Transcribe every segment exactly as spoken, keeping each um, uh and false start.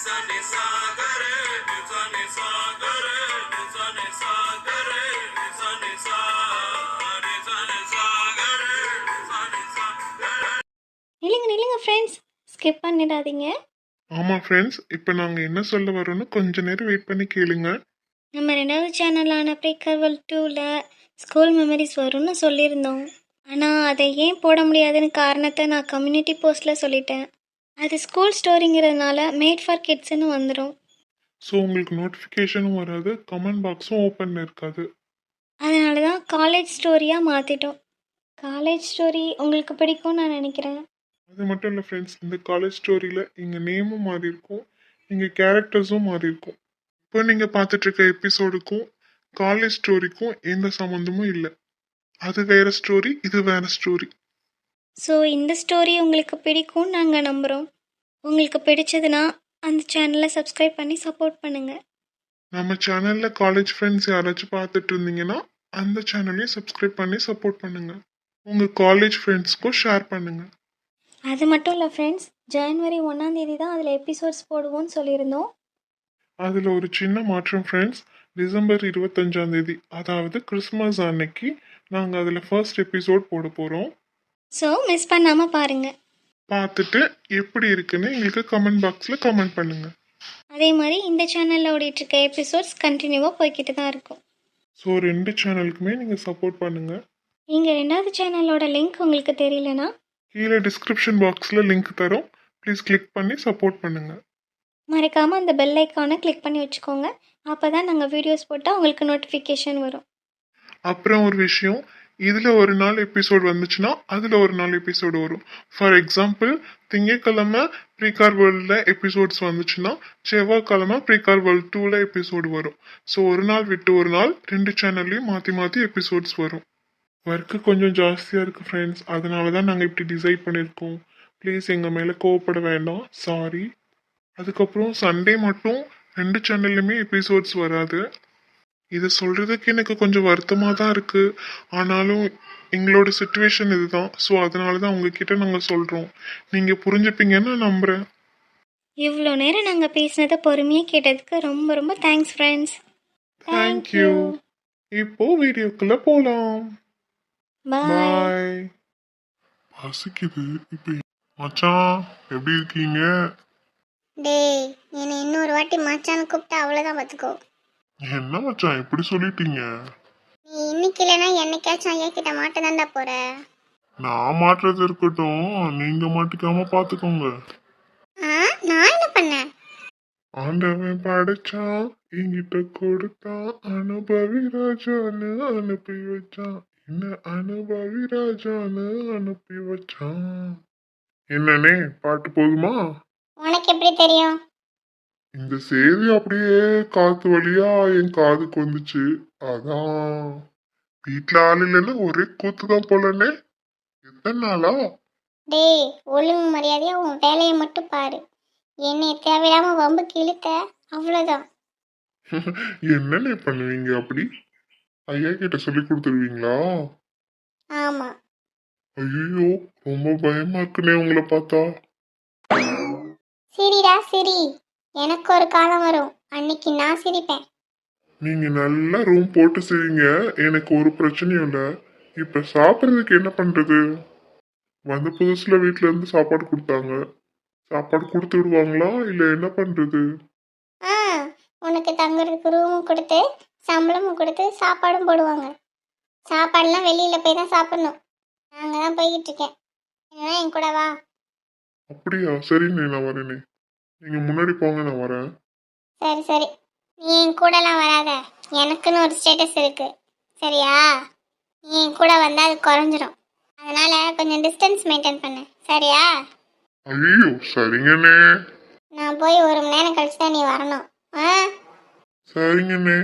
நில்லுங்க நில்லுங்க friends, skip பண்ணிடாதீங்க. ஆமா ஃப்ரெண்ட்ஸ், இப்போ நாங்க என்ன சொல்ல வரோம்னு கொஞ்ச நேரம் வெயிட் பண்ணி கேளுங்க. நம்ம ரெண்டாவது சேனலான ப்ரீகர்வல் டூவில் ஸ்கூல் மெமரிஸ் வரும்னு சொல்லியிருந்தோம். ஆனால் அதை ஏன் போட முடியாதுன்னு காரணத்தை நான் கம்யூனிட்டி போஸ்ட்டில் சொல்லிட்டேன். அது ஸ்கூல் ஸ்டோரிங்கிறதுனால மேட் ஃபார் கிட்ஸ்ன்னு வந்துடும். ஸோ உங்களுக்கு நோட்டிஃபிகேஷனும் வராது, கமெண்ட் பாக்ஸும் ஓப்பனில் இருக்காது. அதனால தான் காலேஜ் ஸ்டோரியாக மாற்றிட்டோம். காலேஜ் ஸ்டோரி உங்களுக்கு பிடிக்கும்னு நான் நினைக்கிறேன். அது மட்டும் இல்லை ஃப்ரெண்ட்ஸ், இந்த காலேஜ் ஸ்டோரியில் எங்கள் நேமும் மாறி இருக்கும், எங்கள் கேரக்டர்ஸும் மாறி இருக்கும். இப்போ நீங்கள் பார்த்துட்டு இருக்க எபிசோடுக்கும் காலேஜ் ஸ்டோரிக்கும் எந்த சம்மந்தமும் இல்லை. அது வேற ஸ்டோரி, இது வேற ஸ்டோரி. ஸோ இந்த ஸ்டோரி உங்களுக்கு பிடிக்கும்னு நாங்கள் நம்புகிறோம். உங்களுக்கு பிடிச்சதுன்னா அந்த சேனலை சப்ஸ்கிரைப் பண்ணி சப்போர்ட் பண்ணுங்கள். நம்ம சேனலில் காலேஜ் ஃப்ரெண்ட்ஸ் யாராச்சும் பார்த்துட்டு இருந்தீங்கன்னா அந்த சேனலையும் சப்ஸ்கிரைப் பண்ணி சப்போர்ட் பண்ணுங்கள். உங்கள் காலேஜ் ஃப்ரெண்ட்ஸ்க்கும் ஷேர் பண்ணுங்கள். அது மட்டும் இல்லை ஃப்ரெண்ட்ஸ், ஜனவரி ஒன்றாந்தேதி தான் அதில் எபிசோட்ஸ் போடுவோம்னு சொல்லியிருந்தோம். அதில் ஒரு சின்ன மாற்றம் ஃப்ரெண்ட்ஸ். டிசம்பர் இருபத்தஞ்சாம் தேதி, அதாவது கிறிஸ்மஸ் அன்னைக்கு நாங்கள் அதில் ஃபர்ஸ்ட் எபிசோட் போட போகிறோம். ஸோ மிஸ் பண்ணாமல் பாருங்கள். பார்த்துட்டு எப்படி இருக்குன்னு எங்களுக்கு கமெண்ட் பாக்ஸில் கமெண்ட் பண்ணுங்கள். அதே மாதிரி இந்த சேனலில் ஓடிட்டுருக்க எபிசோட்ஸ் கண்டினியூவாக போய்கிட்டு தான் இருக்கும். ஸோ ரெண்டு சேனலுக்குமே நீங்கள் சப்போர்ட் பண்ணுங்கள். நீங்கள் ரெண்டாவது சேனலோட லிங்க் உங்களுக்கு தெரியலனா கீழே டிஸ்கிரிப்ஷன் பாக்ஸில் லிங்க் தரோம், ப்ளீஸ் கிளிக் பண்ணி சப்போர்ட் பண்ணுங்கள். மறக்காமல் அந்த பெல் ஐக்கானை கிளிக் பண்ணி வச்சுக்கோங்க. அப்போ தான் நாங்கள் வீடியோஸ் போட்டால் உங்களுக்கு நோட்டிஃபிகேஷன் வரும். அப்புறம் ஒரு விஷயம், இதில் ஒரு நாள் எபிசோடு வந்துச்சுன்னா அதில் ஒரு நாள் எபிசோடு வரும். ஃபார் எக்ஸாம்பிள், திங்கட்கிழமை ப்ரீகார் வேர்ல்டில் எபிசோட்ஸ் வந்துச்சுன்னா செவ்வாய்க்கிழமை ப்ரீகார் வேர்ல்ட் டூவில் எபிசோடு வரும். ஸோ ஒரு நாள் விட்டு ஒரு நாள் ரெண்டு சேனல்லையும் மாற்றி மாற்றி எபிசோட்ஸ் வரும். ஒர்க்கு கொஞ்சம் ஜாஸ்தியாக இருக்குது ஃப்ரெண்ட்ஸ், அதனால தான் நாங்கள் இப்படி டிசைட் பண்ணியிருக்கோம். ப்ளீஸ் எங்கள் மேலே கோவப்பட வேண்டாம், சாரி. அதுக்கப்புறம் சண்டே மட்டும் ரெண்டு சேனல்லையுமே எபிசோட்ஸ் வராது. இதை சொல்கிறதுக்கு எனக்கு கொஞ்சம் வருத்தமாக தான் இருக்குது, ஆனாலும் எங்களோட சுச்சுவேஷன் இதுதான். ஸோ அதனால தான் உங்ககிட்ட நாங்கள் சொல்கிறோம், நீங்கள் புரிஞ்சுப்பீங்கன்னு நான் நம்புகிறேன். இவ்வளோ நேரம் நாங்கள் பேசினதை பொறுமையாக கேட்டதுக்கு ரொம்ப ரொம்ப தேங்க்ஸ் ஃப்ரெண்ட்ஸ். தேங்க்யூ. இப்போ வீடியோக்குள்ளே போகலாம். பாய். பசிக்குது இப்போ. மச்சான் எப்படி இருக்கீங்க? டேய், என்னை இன்னொரு வாட்டி மச்சான்னு கூப்பிட்டா அவ்வளோதான் பார்த்துக்கோ. என்ன மச்சான் இப்படி சொல்லிட்டீங்க? நீ இன்னைக்கு இல்லைன்னா என்னைக்காச்சும் ஐயா கிட்ட மாட்ட தாண்டா போற. நான் மாட்டுறது இருக்கட்டும், நீங்க மாட்டிக்காம பாத்துக்கோங்க. ஆ, நான் என்ன பண்ணேன்? ஆண்டவன் படைச்சான், என்கிட்ட கொடுத்தான், அனுபவி ராஜான்னு அனுப்பி வச்சான், என்ன அனுபவி ராஜான்னு அனுப்பி வச்சான். என்னன்னே பாட்டு போதுமா? உனக்கு எப்படி தெரியும்? இந்த செய்தி அப்படியே காத்து வழியா என் காதுக்கு வந்துச்சு, அதான். வீட்டுல ஆள் இல்லைன்னு ஒரே கூத்துதான் போலன்னே. எத்தனை நாளா? டேய், ஒழுங்கு மரியாதையா உன் வேலையை மட்டும் பாரு. என்னை தேவையில்லாம வம்புக்கு இழுத்த அவ்வளோதான். என்னன்னே பண்ணுவீங்க அப்படி? ஐயா கிட்ட சொல்லி கொடுத்துருவீங்களா? ஆமா. ஐயோ, ரொம்ப பயமா இருக்குனே உங்களை பார்த்தா. சிரிடா சிரி, எனக்கு ஒரு காலம் வரும், அன்னைக்கு நான் சிரிப்பேன். நீங்க நல்லா ரூம் போட்டு செய்வீங்க, எனக்கு ஒரு பிரச்சனையும் இல்லை. இப்ப சாப்பிட்றதுக்கு என்ன பண்றது? வந்த புதுசுல வீட்டுல இருந்து சாப்பாடு கொடுத்தாங்க, சாப்பாடு கொடுத்து விடுவாங்களா இல்ல என்ன பண்றது? ஆ, உனக்கு தங்குறதுக்கு ரூமும் கொடுத்து சம்பளமும் கொடுத்து சாப்பாடும் போடுவாங்க. சாப்பாடுலாம் வெளியில போய் தான் சாப்பிடணும். நாங்க தான் போய்கிட்டு இருக்கேன், என்ன என் கூட வா. அப்படியா? சரிண்ணே, நான் வரேனே. நீங்க முன்னாடி போங்க, நான் வரேன். சரி சரி, நீ என் கூடலாம் வராத, எனக்குன்னு ஒரு ஸ்டேட்டஸ் இருக்கு, சரியா? நீ என் கூட வந்தால் அது குறைஞ்சிரும், அதனால கொஞ்சம் டிஸ்டன்ஸ் மெயின்டைன் பண்ணு, சரியா? ஐயோ சரிங்கண்ணே. நான் போய் ஒரு மணி நேரம் கழிச்சு தான் நீ வரணும். ஆ சரிங்கண்ணே.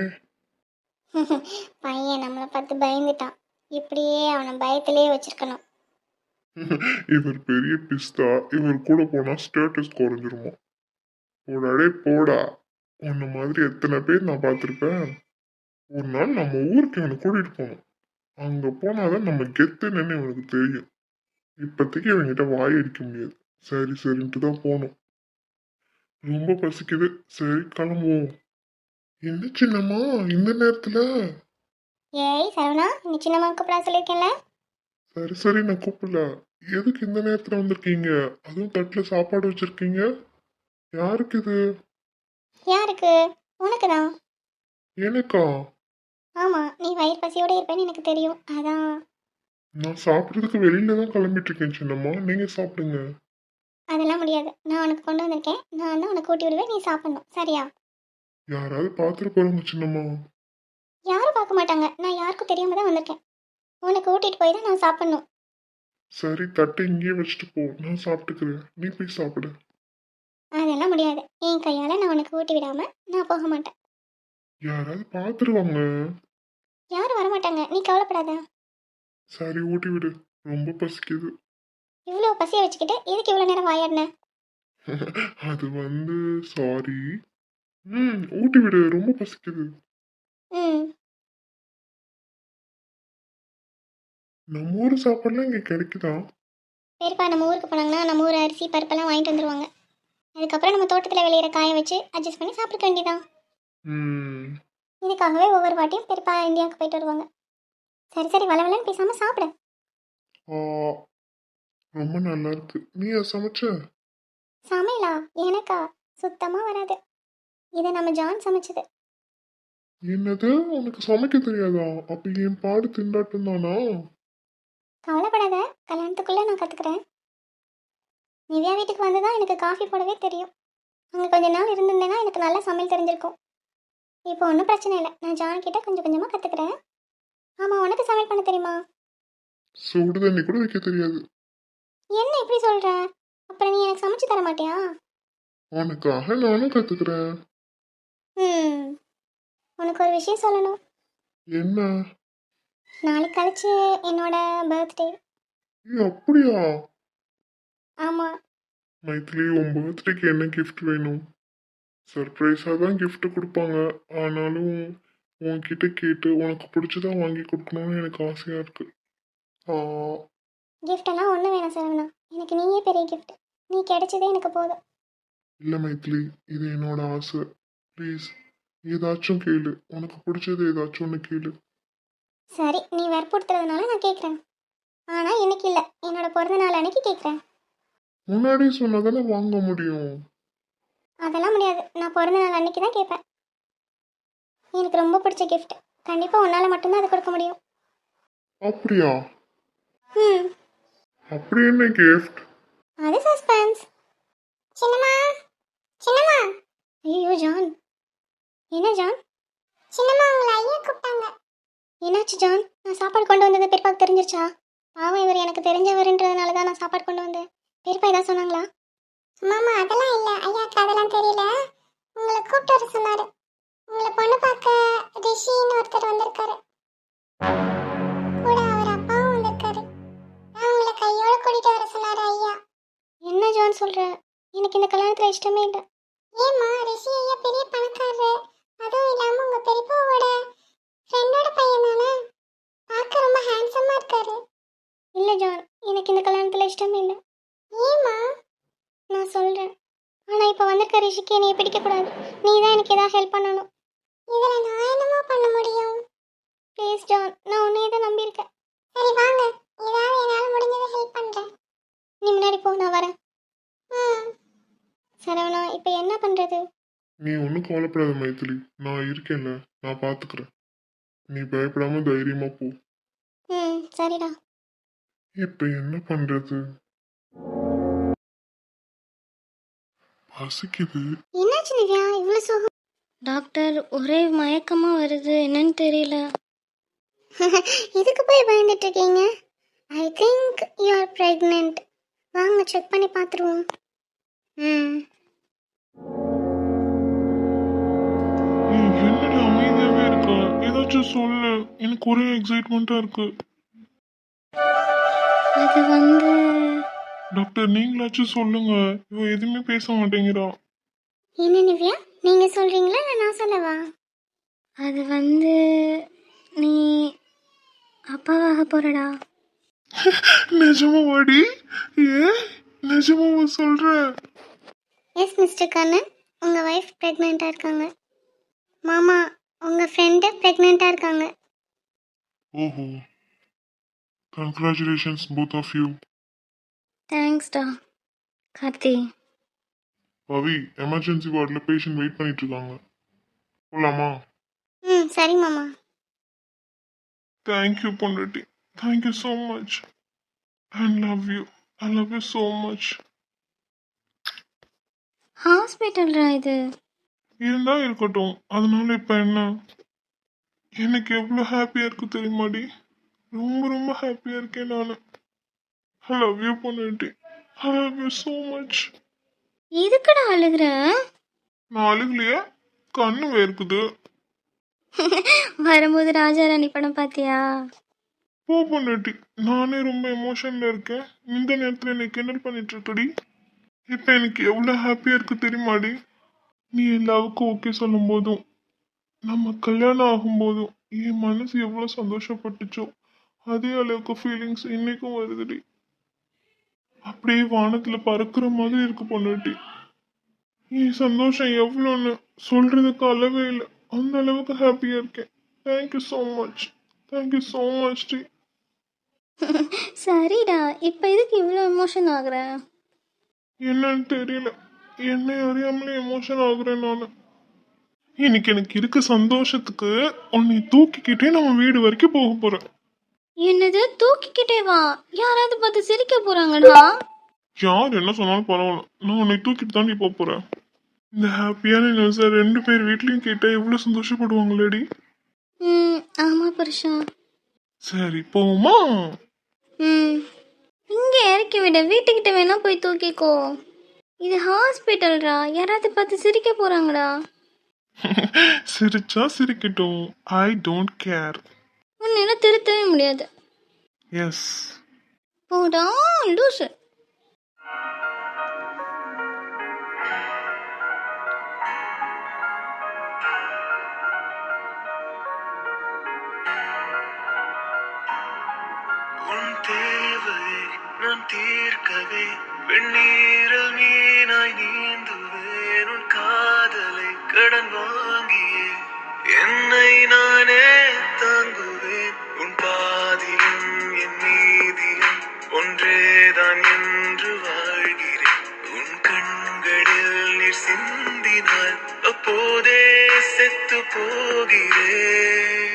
பையன் நம்மளை பார்த்து பயந்துட்டான், இப்படியே அவனை பயத்திலேயே வச்சிருக்கணும். இவர் பெரிய பிஸ்தா, இவர் கூட போனா ஸ்டேட்டஸ் குறைஞ்சிருமா? போடாடே போடா, உன்ன மாதிரி எத்தனை பேர் நான் பார்த்துருப்பேன். ஒரு நாள் நம்ம ஊருக்கு இவனை கூட்டிட்டு போகணும், அங்க போனாதான் நம்ம கெத்துன்னு இவனுக்கு தெரியும். இப்போதைக்கு இவன்கிட்ட வாய் அடிக்க முடியாது, சரி சரின்ட்டு தான் போகணும். ரொம்ப பசிக்குது. சரி கிளம்புவோம். என்ன சின்னம்மா இந்த நேரத்துல? ஏய் சரவணா, நீ சின்னம்மா கூப்பிடா சொல்லியிருக்கேன்ல. சரி சரி நான் கூப்பிடல. எதுக்கு இந்த நேரத்துல வந்திருக்கீங்க? அதுவும் தட்டுல சாப்பாடு வச்சிருக்கீங்க. யாருக்கு இது? யாருக்கு? உனக்கு தான். எனக்கா? ஆமாம், நீ வயிறு பசியோடு இருப்பேன்னு எனக்கு தெரியும், அதான். நான் சாப்பிட்றதுக்கு வெளியில தான் கிளம்பிட்டு இருக்கேன் சின்னம்மா. நீங்க சாப்பிடுங்க. அதெல்லாம் முடியாது. நான் உனக்கு கொண்டு வந்திருக்கேன், நான் தான் உனக்கு ஊட்டி விடுவேன், நீ சாப்பிடணும், சரியா? யாராவது பார்த்துட்டு போறாங்க சின்னம்மா. யாரும் பார்க்க மாட்டாங்க, நான் யாருக்கும் தெரியாம தான் வந்திருக்கேன். உனக்கு ஊட்டிட்டு போய் தான் நான் சாப்பிடணும். சரி தட்டை இங்கேயே வச்சுட்டு போ, நான் சாப்பிட்டுக்கிறேன். நீ போய் சாப்பிடு. அதெல்லாம் முடியாது. என் கையால் நான் உனக்கு ஊட்டி விடாம நான் போக மாட்டேன். யாராவது பார்த்துருவாங்க. யாரும் வரமாட்டாங்க, நீ கவலைப்படாத. சரி ஊட்டி விடு. ரொம்ப பசிக்குது. இவ்வளோ பசியை வச்சுக்கிட்டு எதுக்கு இவ்வளோ நேரம் வாயாடின? அது வந்து சாரி. ம் ஊட்டி விடு, ரொம்ப பசிக்குது. ம். நம்ம ஊர் சாப்பாடுலாம் இங்கே கிடைக்குதா? பெரியப்பா நம்ம ஊருக்கு போனாங்கன்னா நம்ம ஊர் அரிசி பருப்பெல்லாம் வாங்கிட்டு வந்துருவாங்க. அதுக்கப்புறம் நம்ம தோட்டத்தில் விளையிற காய வச்சு அட்ஜஸ்ட் பண்ணி சாப்பிட வேண்டியதான். ம் இதுக்காகவே ஒவ்வொரு வாட்டியும் பெரியப்பா இந்தியாவுக்கு போயிட்டு வருவாங்க. சரி சரி வளவலன்னு பேசாமல் சாப்பிட. ஆ, ரொம்ப நல்லா இருக்கு. நீயா சமைச்ச? சமையலா? எனக்கா? சுத்தமாக வராது. இதை நம்ம ஜான் சமைச்சது. என்னது, உனக்கு சமைக்க தெரியாதா? அப்ப என் பாடு திண்டாட்டம் தானா? கவலைப்படாத, கல்யாணத்துக்குள்ளே நான் கற்றுக்குறேன். நிவ்யா வீட்டுக்கு வந்து தான் எனக்கு காஃபி போடவே தெரியும். அங்கே கொஞ்ச நாள் இருந்திருந்தேன்னா எனக்கு நல்லா சமையல் தெரிஞ்சிருக்கும். இப்போ ஒன்றும் பிரச்சனை இல்லை, நான் ஜான் கிட்ட கொஞ்சம் கொஞ்சமாக கற்றுக்குறேன். ஆமாம், உனக்கு சமையல் பண்ண தெரியுமா? சுடு தண்ணி கூட வைக்க தெரியாது. என்ன இப்படி சொல்கிற? அப்புறம் நீ எனக்கு சமைச்சு தர மாட்டியா? உனக்காக நானும் கத்துக்கிறேன். ம். உனக்கு ஒரு விஷயம் சொல்லணும். என்ன? நாளைக்கு கழிச்சு என்னோட பர்த்டே. ஏய், அப்படியா? ஆமாம். மைத்திலி, உன் பர்த்டேக்கு என்ன கிஃப்ட் வேணும்? சர்ப்ரைஸாக தான் gift கொடுப்பாங்க. ஆனாலும் உன்கிட்ட கேட்டு உனக்கு பிடிச்சதா வாங்கி கொடுக்கணும்னு எனக்கு ஆசையாக இருக்கு. ஆ, கிஃப்டெல்லாம் ஒன்றும் வேணாம் சரவணா, எனக்கு நீயே பெரிய கிஃப்ட். நீ கிடைச்சதே எனக்கு போதும். இல்லை மைத்திலி, இது என்னோட ஆசை. ப்ளீஸ் ஏதாச்சும் கேளு. உனக்கு பிடிச்சது ஏதாச்சும் ஒன்று கேளு. சரி, நீ வற்புறுத்துறதுனால நான் கேட்குறேன். ஆனால் இன்னைக்கு இல்லை, என்னோட பிறந்த நாள் அன்னைக்கு கேட்குறேன். முன்னாடி சொன்னதானே வாங்க முடியும். அதெல்லாம் முடியாது, நான் பிறந்த நாள் அன்னைக்கு தான் கேட்பேன். எனக்கு ரொம்ப பிடிச்ச கிஃப்ட். கண்டிப்பாக உன்னால் மட்டும்தான் அது கொடுக்க முடியும். அப்படியா? ம். அப்படி என்ன கிஃப்ட்? அது சஸ்பென்ஸ். சின்னம்மா, சின்னம்மா. ஐயோ ஜான். என்ன ஜான்? சின்னம்மா உங்களை ஐயா கூப்பிட்டாங்க. என்னாச்சு ஜான்? நான் சாப்பாடு கொண்டு வந்தது பெரியப்பாக்கு தெரிஞ்சிருச்சா? பாவம், இவர் எனக்கு தெரிஞ்சவருன்றதுனால தான் நான் சாப்பாடு கொண்டு வந்தேன். பெரியப்பா ஏதாவது சொன்னாங்களா? மாமா அதெல்லாம் இல்லை, ஐயாக்கு அதெல்லாம் தெரியல. உங்களை கூப்பிட்டு வர சொன்னாரு. உங்களை பொண்ணு பார்க்க ரிஷின்னு ஒருத்தர் வந்திருக்காரு. கூட அவர் அப்பாவும் வந்திருக்காரு. நான் உங்களை கையோட கூட்டிட்டு வர சொன்னாரு ஐயா. என்ன ஜான் சொல்ற? எனக்கு இந்த கல்யாணத்துல இஷ்டமே இல்லை. ஏமா, ரிஷி ஐயா பெரிய பணக்காரரு. அதுவும் இல்லாம உங்க பெரியப்பாவோட ஃப்ரெண்டோட பையன் தானே. பார்க்க ரொம்ப ஹேண்ட்ஸமா இருக்காரு. இல்ல ஜான், எனக்கு இந்த கல்யாணத்துல இஷ்டமே இல்லை. ஏமா? நான் சொல்றேன். ஆனா இப்ப வந்திருக்க ரிஷிக்கு என்னைய பிடிக்க கூடாது. நீ தான் எனக்கு ஏதாவது ஹெல்ப் பண்ணணும். இதுல நான் என்னமா பண்ண முடியும்? ப்ளீஸ் ஜான், நான் உன்னையே தான் நம்பியிருக்கேன். சரி வாங்க, ஏதாவது என்னால் முடிஞ்சதை ஹெல்ப் பண்ணுறேன். நீ முன்னாடி போ, நான் வரேன். ம். சரவணா, இப்போ என்ன பண்ணுறது? நீ ஒன்றும் கவலைப்படாத மைத்திலி, நான் இருக்கேன்ல, நான் பார்த்துக்கிறேன். நீ பயப்படாம தைரியமா போ. ம் சரிடா. இப்போ என்ன பண்றது? பசிக்குது. என்னாச்சு நிவ்யா, இவ்வளோ சோகம்? டாக்டர், ஒரே மயக்கமாக வருது, என்னன்னு தெரியல. இதுக்கு போய் பயந்துட்டு இருக்கீங்க? I think you are pregnant. வாங்க செக் பண்ணி பார்த்துருவோம். ம். ஏய், என்னடி அமைதியாவே இருக்க? ஏதாச்சும் சொல்லு. எனக்கு ஒரே எக்ஸைட்மெண்ட்டா இருக்கு. அது வந்து டாக்டர், நீங்களாச்சும் சொல்லுங்க. இவ எதுவுமே பேச மாட்டேங்கிறா. என்ன நிவ்யா, நீங்கள் சொல்கிறீங்களா இல்லை நான் சொல்லவா? அது வந்து நீ அப்பாவாக போறடா. நிஜமாவாடி? ஏ நிஜமாவா சொல்ற? எஸ் மிஸ்டர் கண்ணன், உங்கள் ஒய்ஃப் ப்ரெக்னெண்ட்டாக இருக்காங்க. மாமா உங்கள் ஃப்ரெண்டு ப்ரெக்னெண்ட்டாக இருக்காங்க. ஓஹோ, கங்க்ராச்சுலேஷன்ஸ் போத் ஆஃப் யூ. தேங்க்ஸ்டா கார்த்தி. பவி, எமர்ஜென்சி வார்டில் பேஷண்ட் வெயிட் பண்ணிட்டு இருக்காங்க, போலாமா? ம் சரி மாமா. தேங்க்யூ பொண்டாட்டி, thank you so much. I love you, I love you so much. ஹாஸ்பிட்டல்ரா இது. இருந்தா இருக்கட்டும், அதனால இப்போ என்ன? எனக்கு எவ்வளோ ஹாப்பியாக இருக்கு தெரியுமாடி? ரொம்ப ரொம்ப ஹாப்பியாக இருக்கேன் நான். ஐ லவ் யூ பொண்டாட்டி, I love you so much. இதுக்குடா அழுகுற? நான் அழுகலையே, கண்ணு வேர்க்குது. வரும்போது ராஜாராணி படம் பார்த்தியா? போ பொண்டாட்டி, நானே ரொம்ப எமோஷனில் இருக்கேன். இந்த நேரத்தில் என்னை கிண்டல் பண்ணிட்டு இருக்கடி. இப்போ எனக்கு எவ்வளோ ஹாப்பியாக இருக்கு தெரியுமாடி? நீ எல்லாவுக்கும் ஓகே சொல்லும் போதும், நம்ம கல்யாணம் ஆகும்போதும் என் மனசு எவ்வளோ சந்தோஷப்பட்டுச்சோ அதே அளவுக்கு ஃபீலிங்ஸ் இன்னைக்கும் வருதுடி. அப்படியே வானத்தில் பறக்கிற மாதிரி இருக்கு பொண்டாட்டி. என் சந்தோஷம் எவ்வளோன்னு சொல்றதுக்கு அளவே இல்லை, அந்த அளவுக்கு ஹாப்பியாக இருக்கேன். Thank you so much, thank you so much டி. சரிடா, இப்போ இதுக்கு இவ்வளோ எமோஷன் ஆகுற? என்னன்னு தெரியல, என்னை அறியாமலே எமோஷன் ஆகுறேன் நான். இன்னைக்கு எனக்கு இருக்க சந்தோஷத்துக்கு உன்னை தூக்கிக்கிட்டே நம்ம வீடு வரைக்கும் போக போறேன். என்னது தூக்கிக்கிட்டே வா? யாராவது பார்த்து சிரிக்க போறாங்கடா. யார் என்ன சொன்னாலும் பரவாயில்ல, நான் உன்னை தூக்கிட்டு தாண்டி போக போறேன். இந்த ஹாப்பியான நியூஸை ரெண்டு பேர் வீட்லயும் கேட்டா எவ்வளவு சந்தோஷப்படுவாங்களேடி. ம் ஆமா புருஷா. சரி போமா? ம் இங்கே இறக்கி விட, வீட்டுக்கிட்ட வேணா போய் தூக்கிக்கோ. இது ஹாஸ்பிட்டல்ரா, யாராவது பார்த்து சிரிக்க போறாங்கடா. சிரிச்சா சிரிக்கட்டும், ஐ டோன்ட் கேர். உன்னால திருத்தவே முடியாது. எஸ். போடா லூசு. உன் தேவையை நான் தீர்க்கவே வெந்நீரில் மீனாய் நீந்துவேன். உன் காதலை கடன் வாங்கியே என்னை நானே தாங்குவேன். உன் பாதியும் என் நீதியும் ஒன்றேதான் என்று வாழ்கிறேன். உன் கண்களில் நீர் சிந்தினால் அப்போதே செத்து போகிறேன்.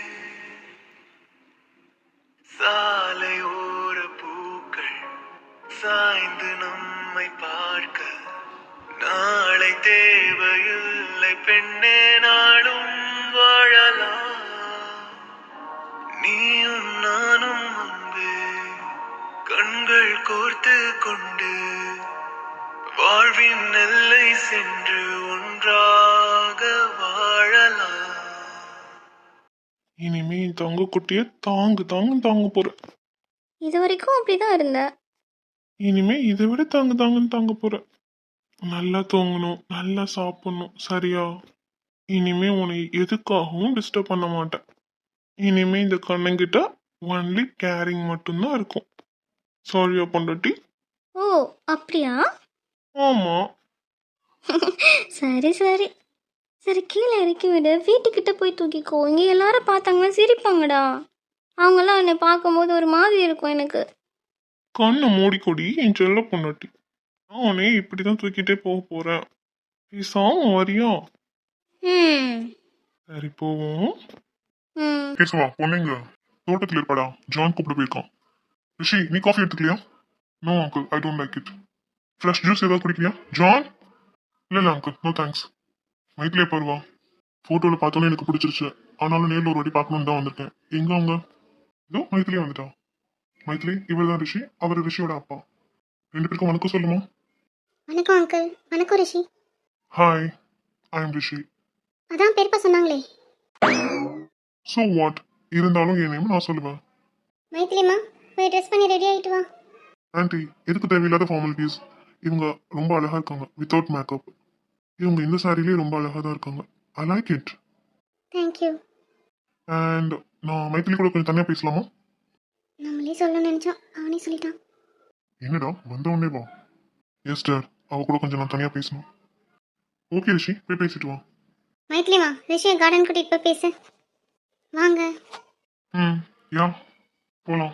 சாலையோர பூக்கள் சாய்ந்து நம்மை பார்க்க நாளை தேவையில்லை பெண்ணே, நாளும் வாழலாம். நீயும் நானும் முன்பே கண்கள் கோர்த்து கொண்டு வாழ்வின் எல்லை சென்று ஒன்றாக வாழலாம். இனிமே என் தங்க குட்டிய தாங்கு தாங்கு தாங்க போறேன். இது வரைக்கும் அப்படிதான் இருந்த. இனிமே இதை விட தாங்கு தாங்குன்னு தாங்க போறேன். நல்லா தூங்கணும், நல்லா சாப்பிடணும், சரியா? இனிமே உன்னை எதுக்காகவும் டிஸ்டர்ப் பண்ண மாட்டேன். இனிமே இந்த கண்ணங்கிட்ட ஒன்லி கேரிங் மட்டும்தான் இருக்கும். சாரியா பொண்டாட்டி? ஓ அப்படியா? ஆமா. சரி சரி சரி, கீழே இறக்கி விடு, வீட்டுக்கிட்ட போய் தூக்கிக்கோ. இங்கே எல்லாரும் பார்த்தாங்கன்னா சிரிப்பாங்கடா. அவங்களாம் என்னை பார்க்கும்போது ஒரு மாதிரி இருக்கும் எனக்கு. கண்ணை மூடிக்கொடி என் செல்ல பொண்டாட்டி. நான் உன்னை இப்படிதான் தூக்கிட்டே போக போறேன். பேசாம வரியா? ம் சரி போவோம். ம் கேசவா, பொண்ணுங்க தோட்டத்தில் இருப்பாடா, ஜான் கூப்பிட்டு போயிருக்கான். ரிஷி, நீ காஃபி எடுத்துக்கலையா? No uncle, I don't like it. Fresh juice ஏதாவது குடிக்கலையா ஜான்? இல்லை இல்லை uncle, no thanks. Maithili Barua, ஃபோட்டோவில் பார்த்தோன்னே எனக்கு பிடிச்சிருச்சு, ஆனாலும் நேரில் ஒரு வாட்டி பார்க்கணுன்னு தான் வந்திருக்கேன். எங்க அவங்க? இதோ மைத்திலே வந்துட்டா. மைத்திலி, இவர் தான் ரிஷி, அவர் ரிஷியோட அப்பா. ரெண்டு பேருக்கும் வணக்கம் சொல்லுமா? வணக்கம் அங்கிள். வணக்கம் ரிஷி. ஹாய், ஐ எம் ரிஷி. அதான் பெரியப்பா சொன்னாங்களே. ஸோ வாட், இருந்தாலும் என் நேம் நான் சொல்லுவேன். மைத்திலிமா போய் ட்ரெஸ் பண்ணி ரெடி ஆகிட்டு வா. ஆன்ட்டி, எதுக்கு தேவையில்லாத ஃபார்மாலிட்டிஸ்? இவங்க ரொம்ப அழகா இருக்காங்க வித்தவுட் மேக்கப். இவங்க இந்த சாரிலேயே ரொம்ப அழகா தான் இருக்காங்க. I like it. Thank you. And நான் மைத்திலி கூட கொஞ்சம் தனியாக பேசலாமா? நம்மளே சொல்ல நினச்சோம், அவனே சொல்லிட்டான். என்னடா வந்த உடனே வா. எஸ் சார், அவ கூட கொஞ்சம் நான் தனியாக பேசணும். ஓகே ரிஷி போய் பேசிட்டு வா. மைத்லிமா ரிஷியை கார்டன் கூட்டிகிட்டு போய் பேசு. வாங்க. ம் யா போலாம்.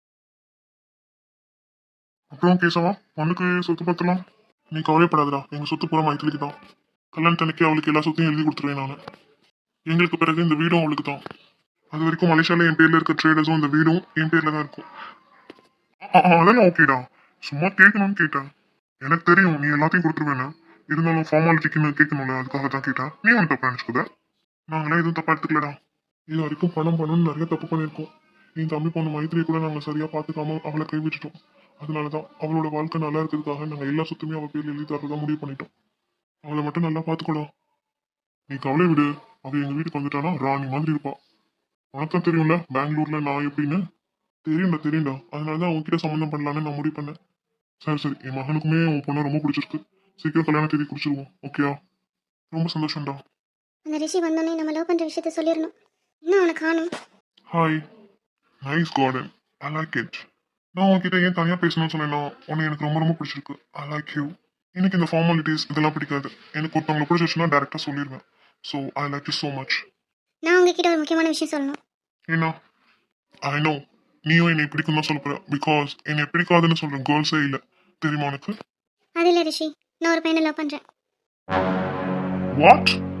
அப்புறம் கேசவா பொண்ணுக்கு சொத்து பத்தலாம் நீ கவலைப்படாதடா. எங்க சொத்து பூரா மைத்திலிக்கு தான். கல்யாணத்தன்னைக்கு அவளுக்கு எல்லா சொத்தையும் எழுதி கொடுத்துருவேன் நான். எங்களுக்கு பிறகு இந்த வீடும் அவளுக்கு தான். அது வரைக்கும் மலேசியால என் பேர்ல இருக்க ட்ரேடர்ஸும் இந்த வீடும் என் பேர்ல தான் இருக்கும். ஆ, ஆ, அதெல்லாம் ஓகேடா. சும்மா கேட்கணும்னு கேட்டேன். எனக்கு தெரியும் நீ எல்லாத்தையும் கொடுத்துருவேன்னு. இருந்தாலும் ஃபார்மாலிட்டிக்குன்னு கேட்கணும்ல, அதுக்காக தான் கேட்டேன். நீ ஒன்று தப்பா நினச்சிக்கோத. நாங்களாம் எதுவும் தப்பா எடுத்துக்கலடா. இது வரைக்கும் பணம் பணம்னு நிறைய தப்பு பண்ணியிருக்கோம். என் தம்பி பொண்ணு மைத்திரியை கூட நாங்கள் சரியா பார்த்துக்காம அவளை கைவிட்டுட்டோம். அதனால தான் அவளோட வாழ்க்கை நல்லா இருக்கிறதுக்காக நாங்கள் எல்லா சொத்துமே அவள் பேர்ல எழுதி தரதான் முடிவு பண்ணிட்டோம். அவளை மட்டும் நல்லா பார்த்துக்கோடா. நீ கவலை விடு. அவ எங்க வீட்டுக்கு வந்துட்டானா ராணி மாதிரி இருப்பா. உனக்கும் தெரியும்ல பெங்களூர்ல நான் எப்படின்னு. தெரியும்டா தெரியும்டா. அதனால தான் உன்கிட்ட சம்மந்தம் பண்ணலான்னு நான் முடிவு பண்ணேன். சரி சரி என் மகனுக்குமே உன் பொண்ணை ரொம்ப பிடிச்சிருக்கு. சீக்கிரம் கல்யாண தேதி குறிச்சிருவோம். ஓகேயா? ரொம்ப சந்தோஷம்டா. அந்த ரிஷி வந்தோடனே நம்ம லவ் பண்ணுற விஷயத்த சொல்லிடணும். இன்னும் அவனை காணும். Hi nice garden I like it. நான் உன்கிட்ட ஏன் தனியாக பேசணும்னு சொன்னேன்னா உன்னை எனக்கு ரொம்ப ரொம்ப பிடிச்சிருக்கு. I like you. எனக்கு இந்த ஃபார்மாலிட்டிஸ் இதெல்லாம் பிடிக்காது. எனக்கு ஒருத்தவங்களை பிடிச்சிருச்சுன்னா டேரெக்டாக சொல்லிடுவேன். So I like you so much. நான் உங்ககிட்ட ஒரு முக்கியமான விஷயம் சொல்லணும். ஏன்னா ஐ நோ நீயும் என்னை பிடிக்கும் தான் சொல்ல போற. பிகாஸ் என்னை பிடிக்காதுன்னு சொல்ற கேர்ள்ஸே இல்லை தெரியுமா உனக்கு? அது இல்லை ரிஷி, நான் ஒரு பையனை லவ் பண்ணுறேன். வாட்?